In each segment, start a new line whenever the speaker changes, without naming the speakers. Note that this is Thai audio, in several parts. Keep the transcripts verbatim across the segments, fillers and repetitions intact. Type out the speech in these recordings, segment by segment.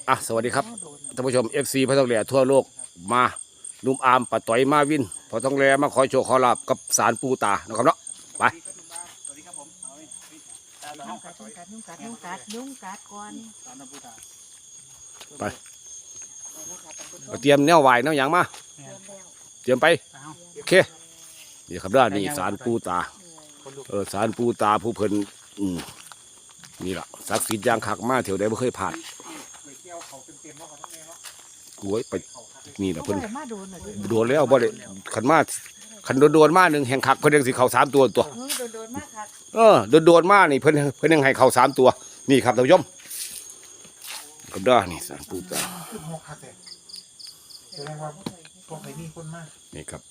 อ่ะสวัสดีครับท่านผู้ชม เอฟ ซี พระทองแหล่ทั่วโลกมานุ่มอามปะต่อยมาวินพอทองแหล่มาขอโชว์ขอลาบกับสารปูตานะครับเนาะไป
นุ่งกัดนุ่งกัดนุ่งกัดนุ่งกัดนุ่งกัดก่อน
ไปเตรียมแนวไหวแนวหยังมาเตรียมไปโอเคนี่ครับด้านนี้สารปูตาเออสารปูตาผู้เพิ่นอืมนี่ล่ะศักดิ์สิทธิ์อย่างคักมาเที่ยวใดบ่เคยผ่านกล้วยไปนี่ล่ะเพิ่นโดนแล้วบ่ได้ขันมาขันโดนๆมาหนึ่งแห่งคักเพิ่นยังสิเข้าสามตัวตัว
โดนๆมากครับ
เออโดนๆมานี่เพิ่นเพิ่นยังให้เข้าสามตัวนี่ครับท่านผู้ชมกับด้านนี่สารปูตา
แสดงว่าพวกไหนมีคนมาก
นี่ครับ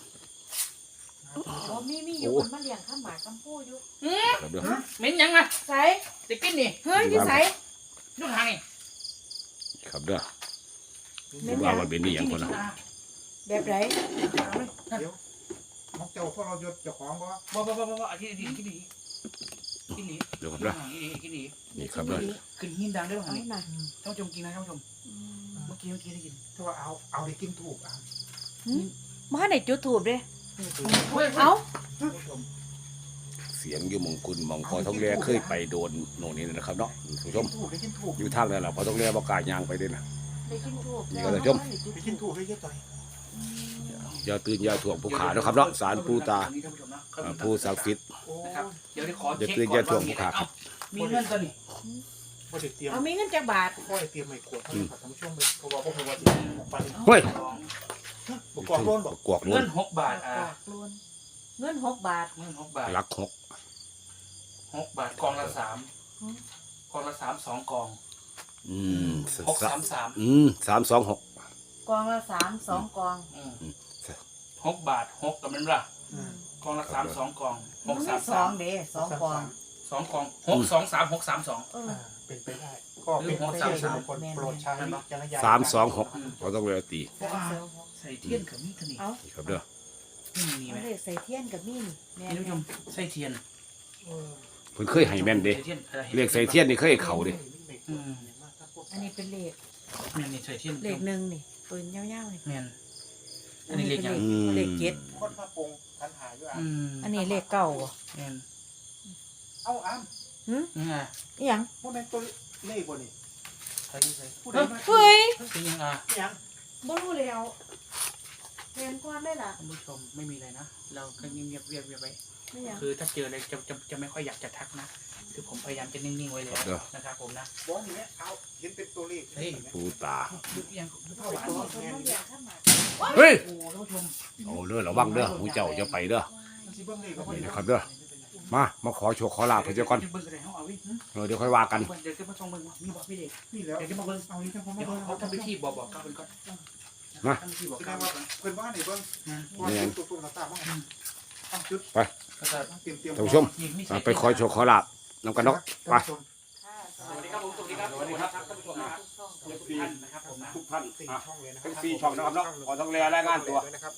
โอ้มีมีอยู่คนมาเลี้ยงข้าวหมากข้าวผู้อยู่
ครับเด้อ
เหม็นยังอ่ะ
ใส่
จะกินนี่
เฮ้ยที่ใส่
ลูกหางนี่
ครับเด้อว่ามันเป็นนี่อย่างคนละ
แบบไหน
เดี๋ยวมอกเจ้าพวกเราหยุดเจ้าของบ่
บ่บ่บ่บ่บ่กินดีกินดีกินดี
เดี๋ยวครับเด้อ
กินดี
นี่ครับเด้อ
ขึ้นหินดังได้ป่ะนี่ท่านผู้ชมกินนะท่านผู้ชมเมื่อกี้เมื่อกี้ได้กิน
ถ้าว่าเอาเอาได้กินถูกอ่ะ
มาให้จุดถูกด้วยเอา
เสียงอยู่มงกุลมองพอทองแร่เคยไปโดนโน่นนี่นะครับเนาะผู้ชมอยู่ทางนั้นแหละพอทองแร่ประกาศยางไปด้วยนะนี่ก็เลยชม
ไปกินถูกได้เยอะต่อย
อย่าตื่นอย่าถ่วงผู้ขานะครับเนาะสารปูตาผู้ศักดิ์สิทธิ์อย่าตื่นอย่าถ่วงผู้ขาครับ
มีเงินตัวนี้
เอามีเงินจากบาท
พ่อเตรียมไม่ขวดท่านผู้ชมเลยเพราะว่าพวกเราว่า
เฮ้ย
บกวกล้นบอก
กวกล้น
เงินหกบาทอ่ะ
เงินหกบาท
เงินหกบาท
ลักหก
หกบาทกองละสามกองละสามสองกอง
อืม
หกสามสาม
อืมสามสองหก
กองละสามสองกอง
หกบาทหกกับมันละกองละสามสองกองหกสาม
สองเด้สองกอง
สองกองหกสองสามหกสามสอง
เป็นไปได้ก็เป็นหกสามสามคนโปรดใช้
สามสองหกเราต้องเลยตี
ใส่เทียนกับมีดนี่
ครับเด้อ
มีไหม
ใส่เทียนกับมีด
นี่ท่านผู้ชมใส่เทียน
เพิ่นเคยให้แม่นเด้เรียกใส่เทียนนี่เคยเข่าเด้
อันนี้เป็นเลข
แม่นนี่ใส่เทียน
เลขหนึ่งนี่ปืนยาวๆนี่
แม่นอันนี้เลขยัง
เลขเจ็ด
คนพระปงทันหายด้วยอ่ะ
อันนี้เลขเก้า
แม่น
เอาอ้ำ
หืม
นี่
ยัง
พวกนั้นตัวเลขบ่นี่
ใส่ใส่
เฮ้ย
เป็นยังอ่ะ
ยัง
บ่รู้แล้วเรียนความได้ล่ะ
ท่านผู้ชมไม่มีอะไรนะเราก็เงียบๆเงียบๆไปคือถ้าเจออะไรจะจะจะไม่ค่อยอยากจะทักนะคือผมพยายามจะนิ่งๆไว้เลยนะครับผมนะ
บอสเนี่ยเอาเห็นเป็นตัวเลข
เฮ้ย
ปูตา
ยังผ้าหวาน
เฮ้ย
โอ้ท่านผู้ชม
โอ้เด้อระวังเด้อหูเจ้าจะไปเด้อนี่นะครับเด้อมามาขอโชว์ขอลาเพื่อนก่อนเดี๋ยวค่อยว่ากัน
เดี๋ยวจะมาส่งมึงมีบอกพี่เด็ก
นี่แล้ว
เดี๋ยวจะมาเบิ้ง
เอานี้จะมา
เดี๋ยวเขาทำพิธีบอกบอกกับเพื่อนก่อน
มา
ทำพิธีบอก
กับเพื่อนบ้านนี่เบิ้งเนี่ยตัวตัวตาบ้าง
ไปท่านผู้ชมไปขอโชว์ขอลาน้ำกันเนาะไป
สวัสดีครับผมสวัสดีครับสวัสดีครับท่านผู้ชมนะครับทุกท่านนะครับผมนะ
ทุกท่านสี่ช่องเลยนะครับสี่ช่องนะครับเนาะขอต้องเรียนรายงานตัว
นะครับ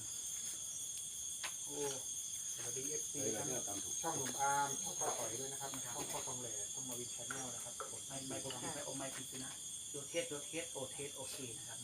โอ้สวัสดีเอฟซีช่องหนุ่มอาร์มช่องพ่อต่อยด้วยนะครับช่องพ่อทองแหล่ช่องมาวินแชนแนลนะครับ
ไม่ไม่ผมไม่โอไม่ผิดนะโยเทสโยเทสโอเทสโอเคนะครับ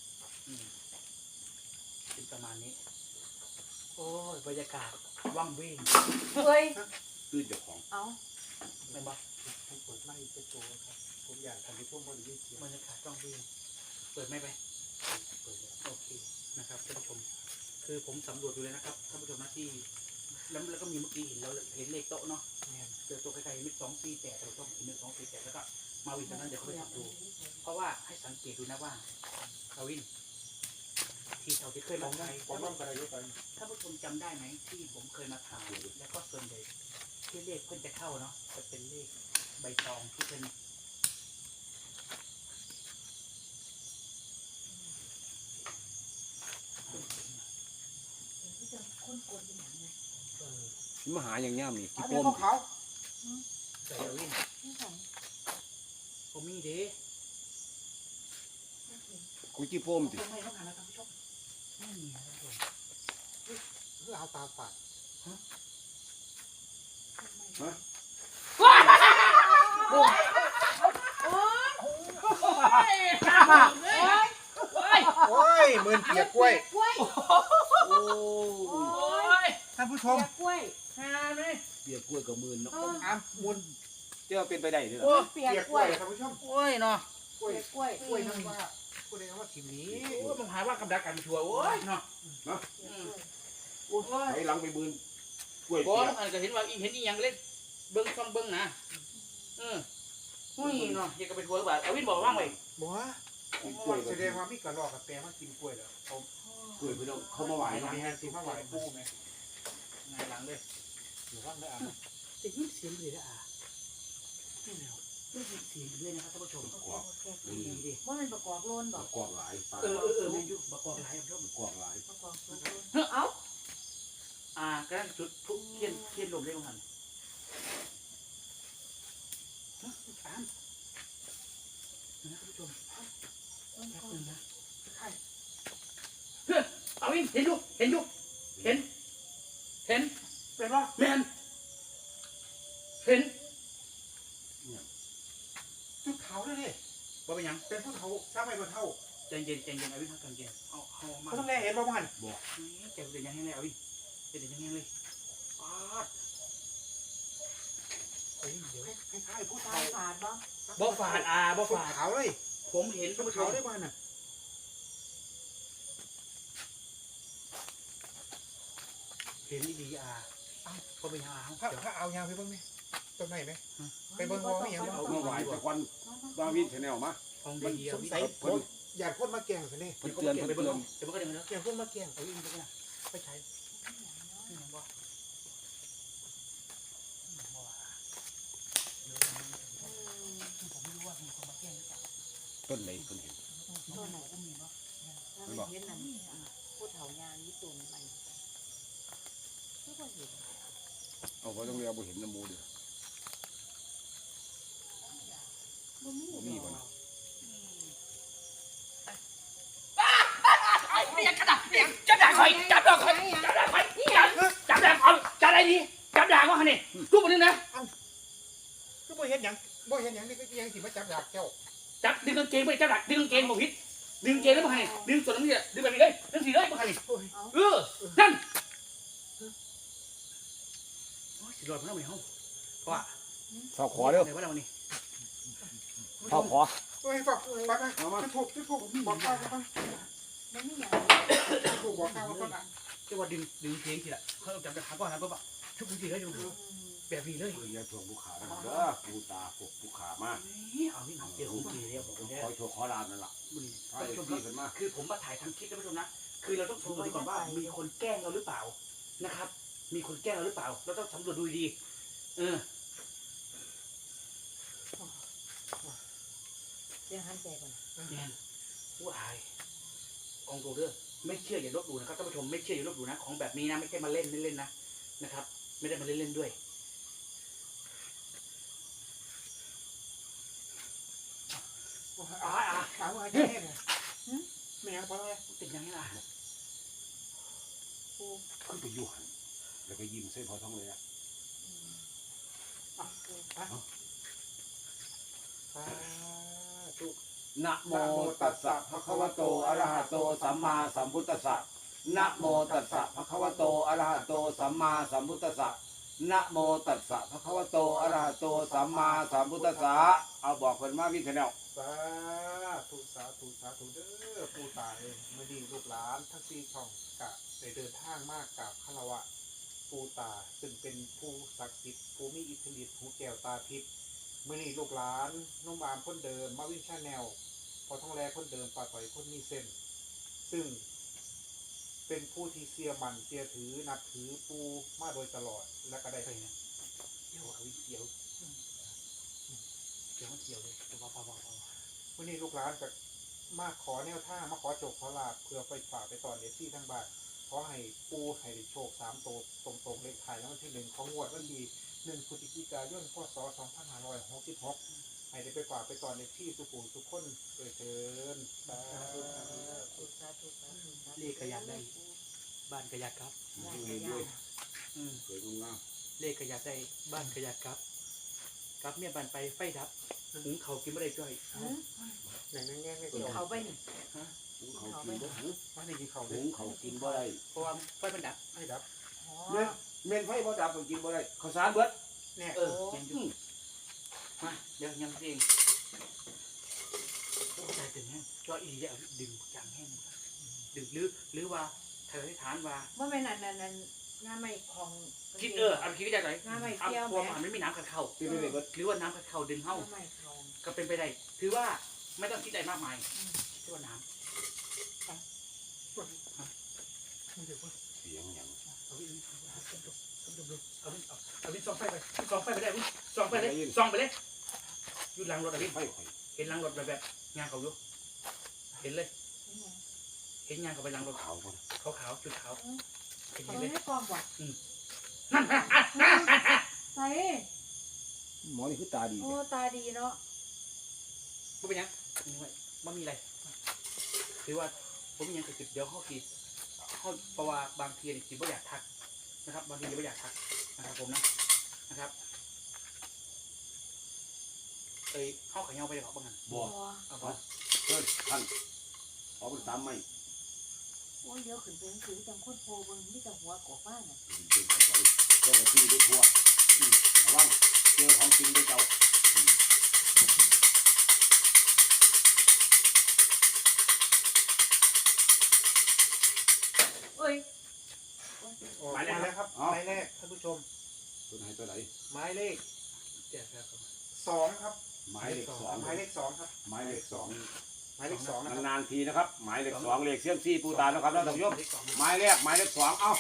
เป็นประมาณนี้โอ้ยบรรยากาศว่างเว้ง
เฮ้ย
ตื้นเจ้าของ
เอา
ไม่บ้า
ให้เปิดไม้เป็นตัวครับผมอยากทำให้ช่วงบริเวณเสียง
บรรยากาศว่างเว้งเปิดไม่ไปเปิดแล้วโอเคนะครับท่านผู้ชมคือผมสำรวจดูเลยนะครับท่านผู้ชมนะที่แล้วแล้วก็มีเมื่อกี้เห็นแล้วเห็นเลขโต๊ะเนาะเจอโต๊ะใกล้ๆมิดสองสี่แปดเราต้องเห็นมิดสองสี่แปดแล้วก็มาวินตอนนั้นเดี๋ยวเขาไปจับดูเพราะว่าให้สังเกตดูนะว่ามาวินที่เราที่เคยมาถ่ายผมว่าอะไรรู้กันถ้าผู้ชมจำได้ไหมที่ผมเคยมาถ่ายแล้วก็ส่วนใหญ่ที่เลขเพิ่นจะเข้าเนาะจะเป็นเลขใบตองที่เป็น
มหาอย่างย่ามีกี่
ปม
เขา
ใส่วินผมมีเด้
กุจิโปมดิ
ไม่ต้องหานะท่านผู้ชมไม่มีนะท่านผู้ชม
เพื่อเอาตาฝาด
ฮะฮะ
ค่ะโอ้ย
โอ้ยหมื่นเปียกกล้วย
กล้วย
โอ้ย
ท่านผู้ชม
กล้วย
หาเลย
เปียกกล้วยกับมือเนาะ
อามมุน
เจ้าเป็นไปได้ด้วย
โอ้
เปีย
เปีย
ก
ก
ก
ก
ล้
ล้ว
วย ย
ท่านผู้ชม
โอ้ยเนาะ
กล้วย
กล้วย
กล้วยนั่นว่ากูได้คำว่าทีมนี้
โอ้ยมันหาว่ากับดักกันชัวร์โอ้ยเนาะโอ้ย
ไอ้หลังไปมือกล้วย
บอ
เปี
ส
ยก
อันก็เห็นว่าอีเห็นอีหยังเล่นเบิ้งฟังเบิ้งนะเอออุ้ยเนาะอยากจะไปทัวร์หรือเปล่าเอาวินบอกว่างไว้
บอกว่าแสดงว่ามีกระรอกกับแปรมากินกล้วยแล้วเขา
กล้วยพี่น้องเขามาไหว
ไหว
เนาะ
มีแฮนด์ทีมาไหวปูไหม
ไงหลังเลย
หรือว่าไม่อ่าน
จะยินเสียงเลยนะอ่ะนี่แล้วได้ยินเสียงเลยนะครับท่านผู้ชม
กวาก
ดีดิ
ว่ามันประกอบโลนบอก
กวากหลายปลา
เออเออเออแม่นอยู่บักกอกหลายท่านผู้ชม
กวากหลาย
ประกอบโลนเอ้า
อ่ากระนั้นจุดทุกเทียนเทียนลมได้มั้งหันฮะอ่านนะท่านผู้ชมแป๊บนึงนะใช่เฮ้ยเอาวินเห็นอยู่เห็นอยู่เห็น เห็น
เป็นว่า
แมนเห็น
จุดเขาเลยดิ
ว่าเป็นหยัง
เป็นผู้เฒ่าสร้างไม่บนเท่า
ใจเย็นใจเย็นเอาวินใจเย็นเอาเอามา
เขาต้องแลเห็นบ้างมัน
นี่ใจเย็นยังไงเลยเอาวินใจเย็นยังไงเลยปาด
เฮ้ยเดี๋ยวคล้ายๆผู้
ตา
เฒ่าย
ฝาดบ้าง
บ่ฝาดอ่าบ่
จุด
ฝาด
เขาเลย
ผมเห็น
จุ
ท่าน
ด
ผู้ช
เขา
ม
ได้บ้านน่ะ
เห็นดีๆอ่าเอ้าก็เป็นหยังอ่ะ
ถ้า
เดี๋ยว
ถ้าเอายางไปเบิ้งไหมต้นไหนไหม ไปเบิ่งว่ามีหยัง
เอามาไหวแต่ควันบาวินแนลมา
ของ
มัน
ดีๆ
ส
เอา
ง
วิน
สัยคนอยากคนมาแกล้งสิเนี่ย
เพิ่นเตือนเพิ่น
ไป
เตื
เบิ่
อง น
เดี๋ยวมันก็เดี๋ยวมัน
อยากคนมาแกล้ง
เอาวินไปเนี่ยไปใช้นี่มันบ่ผมไม่รู้ว่ามีคนมาแกล้งหรือเปล่า
ต้นไหนเพิ่นเห็น
ต้นไหนก็มีบ่ถ้ามันเห็นนั่นผู้เฒ่ายางญี่ปุ่นมันก็บ่เห็น
เอาไว้ต้องเรียกบ่เห็นน้ำมูดิ
บ่มี
บ่มีบ่นะ
ไอ้เปียกกระดาษเปียกจับด่างคอยจับด่างคอยจับด่างคอยจับด่างคอยจับอะไรดีจับด่างว่าเนี่ยรูปมันนึงนะ
คือบ่เห็นหยังบ่เห็นหยังนี่ก็ยังสิมาจับดาบเจ้า
จับดึงกางเกงไปจับด่างดึงกางเกงบอกพิษดึงเกงแล้วมาให้ดึงส่วนนั้นเนี่ยดึงแบบนี้เลยดึงสีเลยมาให้เออนั่นโอ้ยสิรอดมาแล้วไม่ห้องเพราะว่า
ฝากขอเด้อ
ไหนว่าเรานี่
ฝากขอ
เฮ้ยฝากไปไปจุดถูกจุดถูกบอกข้าวกัน
บ่มีหยัง
จุดถูกบอกข้าวกันอ่ะ
จะว่าดึงดึงเกงทีละเขาจับด่างก็หันปุ๊บอะชุบมือทีเลยดูแบบนี้เลย
เพิ่นอย่าทวงผู้ขานะครับเด้อปูตาพวกผู้ขามา
นี่เอาที่หนังเจอของกีแล้วผมได้
คอยโชว์ขอลานนั่นล่ะ
ท่านผู้ชมครับคือผมมาถ่ายทำคลิปท่านผู้ชมนะคือเราต้องสำรวจดูก่อนว่ามีคนแกล้งเราหรือเปล่านะครับ มีคนแกล้งเราหรือเปล่าเราต้องสำรวจดูดีเออ
เดี๋ยวหันใจก่อน
แน่ว้ายกองโรเดอร์ไม่เชื่ออย่าลบหลู่นะครับท่านผู้ชมไม่เชื่ออย่าลบหลู่นะของแบบนี้นะไม่ใช่มาเล่นเล่นๆนะนะครับ ไม่ได้มาเล่นเล่นๆด้วยอ่าอ่า
ถามว่าแค่ไหนไม่ยังพอแล้ว
ติดยังไงล่ะ
ขึ้นไปอยู่หันแล้วก็ยิ้มใส่พอท้องเลยอ่ะ
ถูก
นะโมตัสสะภะคะวะโตอะระหะโตสัมมาสัมพุทธัสสะนะโมตัสสะภะคะวะโตอะระหะโตสัมมาสัมพุทธัสสะนะโมตัสสะภะคะวะโตอะระหะโตสัมมาสัมพุทธัสสะเอาบอกเพิ่นมาวินแนล
สาธุสาธุสาธุเด้อปู่ตาเองไม่ดีลูกหลานทั้งสี่ช่องกะได้เดินทางมากกับคารวะปู่ตาซึ่งเป็นผู้ศักดิ์สิทธิ์ผู้มีอิทธิฤทธิ์หูแก้วตาทิพย์มื่อนี้ลูกหลานน้องบามคนเดิมมาวิ่งชาแนลพอท้องแรคนเดิมปาต่อยคนมีเส้น ซึ่งเป็นผู้ที่เสียมันเสียถือนับถือปูมาโดยตลอดและก็ได้
ไปเนี่ยเดี๋ยวเอาเสียวเดี๋ยวมันเสียวเลยเดี๋ยวเบาๆเบาๆ
วันนี้ลูกหลานจะมาขอแนวท่างมาขอโจกขอลาบเพื่อไปฝากไปตอนเอฟซีทั้งบ้านขอให้ปูให้ได้โชคสามโตตรงตรงๆเลขไทายแล้ววันที่หนึ่งของงวดวันที่หนึ่งพฤศจิกายนพศสองพันห้าร้อยหกสิบหกให้ได้ไปฝากไปตอนเอฟซีสุขุมทุกคนเกิดเชิญสาธุ
สาธุสาธุสาธุ
เลขกระยาได้บ้านกระยาครับ
ด้วยด้วย
อืม
สวยงาม
เลขกระยาได้บ้านกระยาครับกับเมียบันไปไฟดับหุงเขากินไม่ได้จ้อย
หืม
ไหนนั่งแง่ไม่
กิน
ตรง
เขาไปนี่
หุงเขากินบ่หุง
ไม่ได้กินเขาเล
หุ
ย
งเขากินบ่ได้
เพราะว่าไฟมันดับ
ไม่ดับ
อ๋อ
เม่นเม่นไฟบ่ดับก็กินบ่ได้ข้าวสารเบิด
เนี่ย
เออยังอยู่มาเดี๋ยวยังเองโอ้ใจเต็มแห้งจ้อยอีจะดึงจางแห้งดึงหรือหรือว่าเธอที่ฐานว่า
ว่าแม่นั่นนั่นนั่นงาไม่ของ
คิดเออเอาคิดได้ไหม
งาไม่
เอา
เกี่ยว
พว
แม่
มันไม่มีน้ำกัดเข่า
กินบ่ได้เบิด
หรือว่าน้ำกัดเข่าดึงเข้า
งาไม่เขา
ก็เป็นไปได้ถือว่าไม่ต้องคิดอะไรมากมายคิดว่าน้
เสียงหยัง
ำเอาวิเอาวิเอาเอาวิส่องไฟไปส่องไฟไปได้วิส่องไปเลยส่องไปเลยอยู่หลังรถอะวิ
ไฟข่อย
เห็นหลังรถแบบแบบงานเขาอยู่เห็นเลย เห็นงานเขาไปหลังรถ
ขาวบ่
ขาวขาวจุดขาวเห็น
เขา
เลย
ไม่กองว่ะ
นั่น
ใส่
หมอนี่คือตาดี
โอ้ตาดีเนาะ
ไม่เป็นยังไม่มีอะไรถือว่าผมยังติดเดี๋ยวเขาคิดเขาเพราะว่าบางทีเนี่ยคิดว่าอยากทักนะครับบางทีไม่อยากทักนะครับผมนะนะครับเอ้ยเข้าขยันไปเลยหรอบางงาน
บ่
เอาไป
เฮ้ยท่านขอเป็นสามไม้
โอ้ยเดี๋ยวขึ้นไปหนังสือจังคนโพเบิ่งมีแต่หัวกอกบ้านน่ะ
เป็นกระเป๋าแล้วก็ที่ด้วยทัวอืมระวังเจอของจริงด้วยเจ้าอืม
เอ้ย
หมายเลขแล้วครับหมายเลขท่านผู้ชม
ตัวไหนตัวไหน
หมายเลข
เดี๋ยวครับ
สองครับ
หมายเลขสอง
หมายเลขสองครับ
หมายเลขสอง
หมายเลขสองนะครับ
นานๆทีนะครับ หมายเลขสองเลขเสียมซี่ปูตานะครับท่านผู้ชมหมายแรกหมายเลขสองเอ้า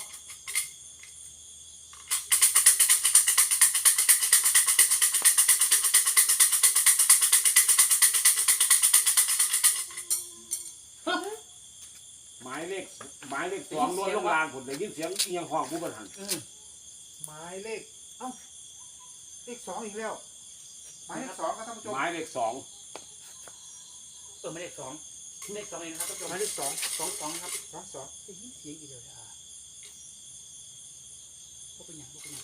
หมายเลขหมายเลขสองล้วนลงลางผมได้ยินเสียงเอียงห้องผู้บริหาร
หมายเลขเอ้าเลขสองอีกแล้วหมายเลขสองครับท่านผู้ชม
หมายเลขสอง
เออไม่เลขสองเลขสองเองนะครับท่านผู้ชม
หมายเลขสอง
สองสองครับ
สองสอง
ได้ยินเสียงอีกแล้วอ่ะพวกเป็นยังพวกเป็นยัง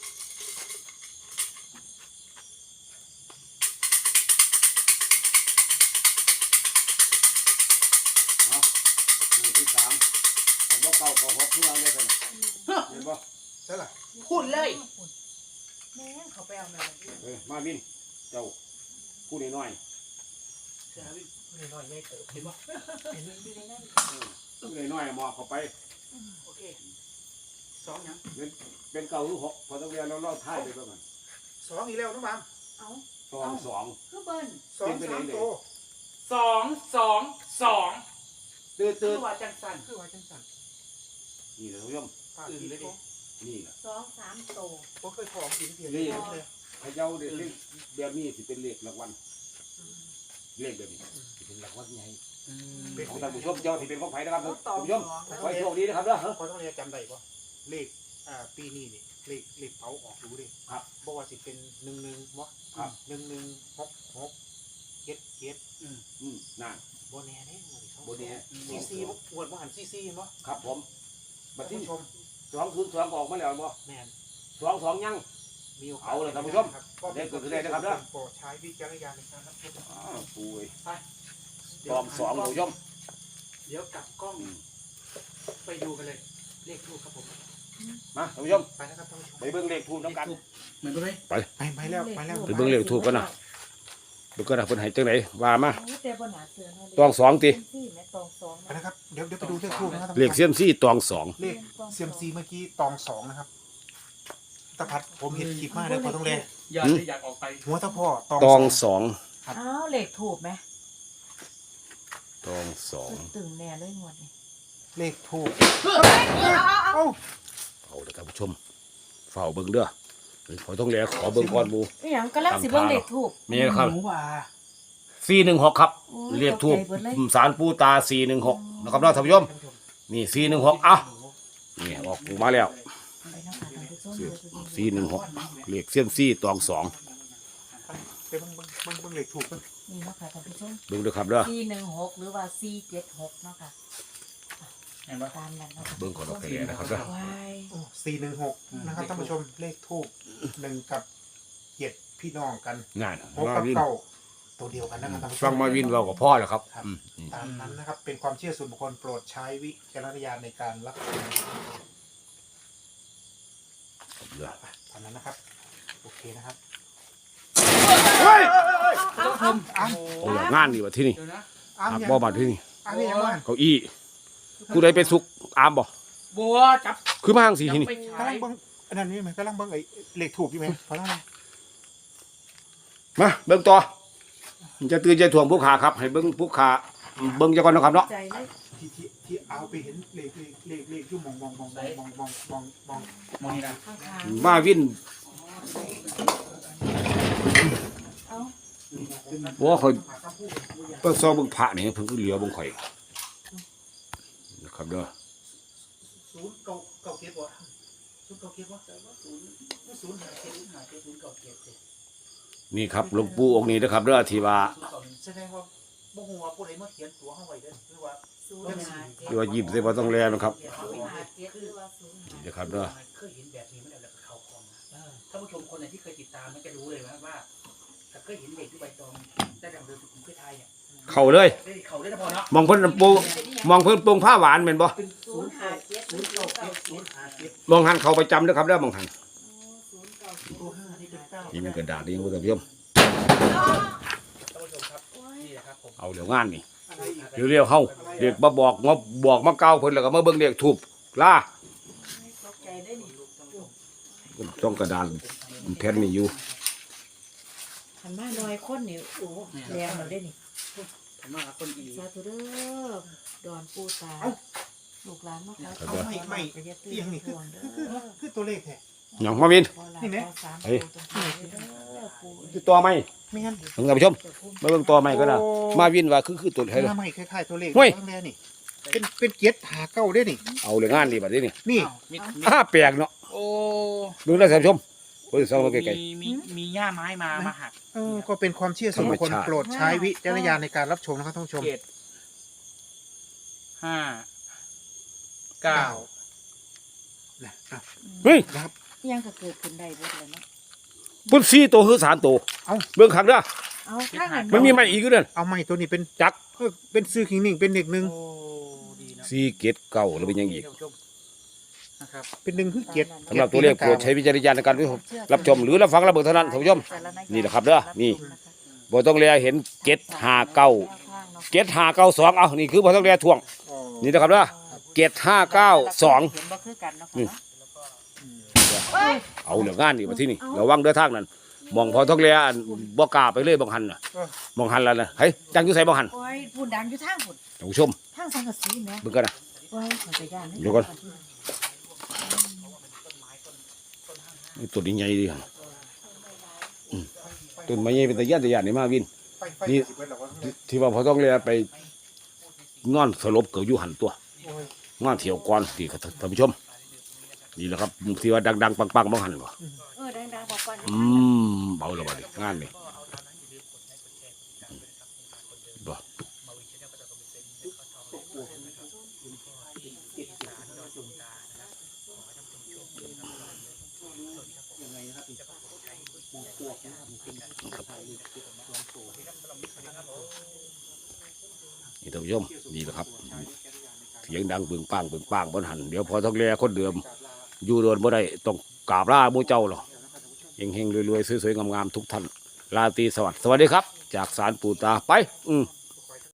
เอาหนึ่งที่สามผมว่าเก่าเก่าหกเพื่ออะไรกันเห็นปะ
ใช่หรอ
พูดเลย
แม่งเขาไปเอาแม่
เฮ้ยมาบินเจ้าพูดน้อย
เสียวิไม่น้อยไม่เติบเห็นปะเห็น
อยู่ในนั้น
ๆพูดน้อยๆมอบเข้าไป
โอเคสองยัง
เป็นเป็นเก่าหรือหกพอต้องเรียนเราเล่าท้ายไปบ้างกัน
สองอีกแล้วน้องบาม
เอา
สองสอง
คือเบิ้ล
สองสามโต
สองสองสอง
ตื่น
คื
ตื่
อน ว่าจังสัน
คือว่าจังสัน
นี่เลยท่านผู้ชม
ปากดีเลยดิ
นี่แหละ
สองสามโต
ผมเคยของกินเพียง
นี่
เลย
พระเจ้าเด็กแบบนี้สิเป็นเลขรางวัลเลขแบบนี้สิเป็นรางวัลใหญ่ของท่านผู้ชมเจ้าที่เป็นของไผ่นะครับท่านผู้ชมขอให้โชคดีนะครับเด้อ
พอต้องเรียนจำได้ปะเลขอ่าปีนี้นี่เลขเลขเผาออกรู้ดิ
ครับ
บอกว่าสิเป็นหนึ่งหนึ่งวะ
ครับ
หนึ่งหนึ่งหกหกเจ็ดเจ็ด
อืมนั่น
โบแน่เด้งเลยเขา
โบเน่
ซีซีบวดมหันซีซีมั้ง
ครับผมบั
ท่า
ด
น
นี้
ผู้ชม
สองศูนย์สองออกมาแล้วบ่
แมน
สองสองยัง
มีโอกาส
เอาเลยท่านผู้ชม
ก็
ได้เกิดขึ้นได้นะครับเด้อ
โปรดใช้วิจารณญาณในการรับชม
อ้าวปูเอ้ย
เดี๋
ส
ยว
องสองท่านผู้ชม
เดี๋ยวกลับกล้องไปดูกันเลย เลขทูบครับผม
มาท่านผู้ชม
ไปนะครับท่านผู้ชม
ไปเบิ่งเลขทูบน้ำกัน
เหมือนกันไหม
ไปไปแล้วไปแล้ว
ไปเบิ่งเลขทูบกันนะเบิ่งกันนะเพิ่นให้จังไดว่ามา
โอ้แต่บนหาเสือเนาะ
ตองสองติ
ซี่แม่ตองสอง
ไปนะครับเดี๋ยวเดี๋ยวไปดูเลขทูบนะครับ
เลขเสียมซี่ตองสอง
เลขเซียมซีเมื่อกี้ตองสองนะครับตะพัดผมเห็นคลิปมากเลยพอต้องเลย
อยากอยากออกไป
หัวตะพ่อตอง
ตอง
ส
ส
อง
อง
อ้าวเหล็กถูกไหม
ตองสอง
ตึงแน่เลยงวดนี้
เลขทูบ
เอาเอาเอา
เอาเด้อท่านผู้ชมเฝ้าเบิ่งเด้อเฮ้ยขอต้องแลขอเบิ่งก่อนหมู่
อีหยังก็ลักสิเบิ่งเหล็กถูก
มีครับ
หนูว่า
สี่หนึ่งหกครับ
โอ้ย
เรียกทูบ
ตกใจเบิดเลย
สารปูตาสี่หนึ่งหกนะครับเนาะท่านผู้ชมนี่สี่หนึ่งหกอ่ะนี่ออกมาแล้ว
ไปเนาะค่ะท่านผู้ชมเดี๋ยวจะดู
สี่หนึ่งหกเลขเสียมซี่ตองสอง
เดี๋ยวเบิ่งเบิ่งเบิ่งเบิ่งเลขทูบเบิ่ง
นี่เนาะค่ะท่านผู้ชม
เบิ่งเด้อครับเด้อ
สี่หนึ่งหกหรือว่าสี่เจ็ดหกเนาะค่ะ
เห็นปะ
ตามนั้นเนาะค่ะ
เบิ่งก่อนโอเคนะครับเด้อ
วาย
สี่หนึ่งหกนะครับท่านผู้ชมเลขทูบหนึ่งกับเจ็ดพี่น้องกัน
งาน
หก
มา
กับ
วิน
เก้าตัวเดียวกันนะครับท่านผู้ช
ฟังมาวินเรากับพ่อแล้วครับอืมอืม
ตามนั้นนะครับ เป็นความเชื่อส่วนบุคคลโปรดใช้วิจารณญาณในการรับชมตามนั้นนะครับโอเคนะครับ
เฮ้ย
อ้ำอ้ำ
โอ้ยงานนี่วะที่นี่
เดี๋ยวนะ
อ้ำ
หัก
ยัง
บ่บัดที่นี่
อ้ำยังไง
เก้าอี้ผู้ใดไปสุกอามบ่
บัวจับ
คือมาทางสีที่นี่
ไป
กำ
ฉา
ลั
ย
งเบังอันนั้นนี่ไหมกำลังเบังไอ้เหล็กถูกอยู่ไหมเพราะอะไร
มาเบิ่งต่อจะตื่นใจถ่วงผู้ขาครับ ให้เบิ่งผู้ขาเบิ่งจักก่อนนะครับเนาะ
ใจเลย
ที่ที่ที่เอาไปเห็นเหล็กเหล็กเหล็กเหล็กอยู่มองมองมองมองมองมองมองมอง
มองนี่นะ
ข้างทาง
มาวิน
เอา
บ่ค่อยเปิดซองเบิ่งพระนี่เพิ่นก็เหลือเบิ่งข่อยนะครับเด้อ
ศูนย์เก้าเก้าเก็บวะศูนย์เก้าเก็บวะศูนย์ศูนย์หาเก็บศูนย์หาเก็บศูนย์เก้าเก็บเจ็ด
นี่ครับหลวงปู่องค์นี้นะครับเด้อที่ว่า
ศูนย์เก้าหนึ่งแสดงว่าบ่ฮู้ว่าผู้ใดมาเขียนตัวเฮาไว้เด้อหรือว่า
ศูนย์หาเจ็ด
ที่ว่ายิ้มใส่บ่ต้องแลนะครับ
ศูนย์หาเจ็ดหรือว่าศูนย์หา
นี่นะครับเด้อ
เคยเห็นแบบนี้มันแล้วก็เข้าคอมนะท่านผู้ชมคนไหนที่เคยติดตามมันจะรู้เลยว่าว่าถ้าเคยเห็นเด็กที่ใบตองได้ดังเดิมผมเคยทายเนี่ย
เข้าเลย
ได้เขาได้พอเนาะ
มองเพิ่นปูมองเพิ่นปรุงผ้าหวานแม่นบ่
เป็น
ศู
ศู
น
น
ย์
ย์
หา
เก้า
เจ็ด
ศูนย์เก้าเก็บศูนย์หาเก็บ
มองหันเข้าประจำเด้อครับเด้อมองหัน
ศูนย์เก้าศูนย์
ตัวห้านี่เป็นเก้า
นี่มันกระดาษนี่ยังบ่ต้องเพิ่ม
ท่านผู้ชมครับนี่แหละครับผม
เอาเดี๋ยวงานนี่เร็วๆเฮาเด็กมาบอกมาบอกมาเก้าเพิ่นแล้วก็มาเบิ่งเลขทูบลา
ตกใจได้นี่
ต้องกระดานแผ่นนี่อยู่
หันมาหน่อยคนนี่โอ้แรงเราได้นี่
ผมว่าคนดี
สาธุเด้อดอนปูตาลูกหลานมาขอ
เอาไม่ไม่เอียงนี่คือคือคือคือตัวเลขแท้
หยังมาวิน
นี่เนี่ย
คือตัวไหม
ไม่งั้น
ท่านผู้ชมมาเบิ่งตัวไหมก็ได้มาวินว่าคือคือตัวไหน
ห
เลย
น้าไม่คล้ายๆตัวเลข
เฮ้ย
ตั้งแต่นี่เป็นเป็นเจ็ดหาเก้าได้นี่
เอาเลยงานนี่บัดนี้นี่
นี่
มี
อ้าแปลกเนาะ
โอ้
เบิ่งได้ท่านผู้ชมเบิ่งซองมาไกล
มีมีมีหญ้าไม้มามาหัก
เออก็เป็นความเชื่อส่วนบุคคล
ธรรมชาติ
โปรดใช้วิจารณญาณในการรับชมนะครับท่านผู้ชม
เจ็ดห้าเก้า
นะอ่ะ
ๆเฮ้ย
นะครับ
ยังก็เกิดขึ้นได้เบิดเลยเนาะ
เพิ่นสี่ตัวคือสามตัว
เอ้า
เบิ่งคักเด้อ
เอาข้างหัน
มันมีไหมอีกอยู่เด้อ
เอาไม้ตัวนี้เป็น
จัก
เออเป็นซื้อขิงหนึ่งเป็นเด็กหนึ่ง
โอ้ดีนะ
สี่เกตเก้าแล้วเป็นหยังอีก
ท่านผู้ชมนะครับ
เป็นหนึ่งคือเจ็ด
สำหรับตัวเลขโปรดใช้วิจารณญาณในการรับชมหรือรับฟังรับเบิ่งเท่านั้นท่านผู้ชม นี่แหละครับเด้อนี่ บ่ต้องแลเห็นเกตห้าเก้าเกตห้าเก้าสองเอานี่คือบ่ต้องแลท่วง
อ๋อ
นี่นะครับเด้อเกตห้าเก้าสอง
เห็นบ่คือกันเนาะ
นี่ เอาเหลืองานนี่มาที่นี่ระวังเด้อทางนั้นมองพอต้องแลอันบ่กล้าไปเลยบางหันน่ะมองหันแล้วนะเฮ้ยจังอยู่ไสบางหัน
โอ้ยพูดดังอยู่ทางพุ่น
ท่านผู้ชม
ทางสังกะสีแหม่
เบิ่งกันนะ
โอ้ยขอไปย่าน
เดี๋ยวก่อน นี่ต้นนี้ใหญ่ดีหั่นอืมต้นไม้ใหญ่เป็นตะย่านตะย่านนี่มาวิน
ไฟไฟ
นี่
สิบเอ็ดหรอวะ
ที่ที่ว่าพอต้องแลไปนอนสลบเกิดอยู่หันตัว
โอ้ย
งานเที่ยวก่อนที่ครับท่านผู้ชมนี่แหละครับที่ว่าดังๆปังๆบางหันบ่
เออดังๆบอกก่อน
อืมเบาแล้วบัดนี้งานนี่บ่นี่ท่านผู้ชมนี่แหละครับเสียงดังปึงปังปึงปังบนหันเดี๋ยวพอต้องแลคนเดิมอยู่โดนบ่ได้ต้องกราบลาหมู่เจ้าหรอเฮงๆรวยๆสวยๆงามๆทุกท่านราตรีสวัสดิ์สวัสดีครับ จากศาลปู่ตาไปอืม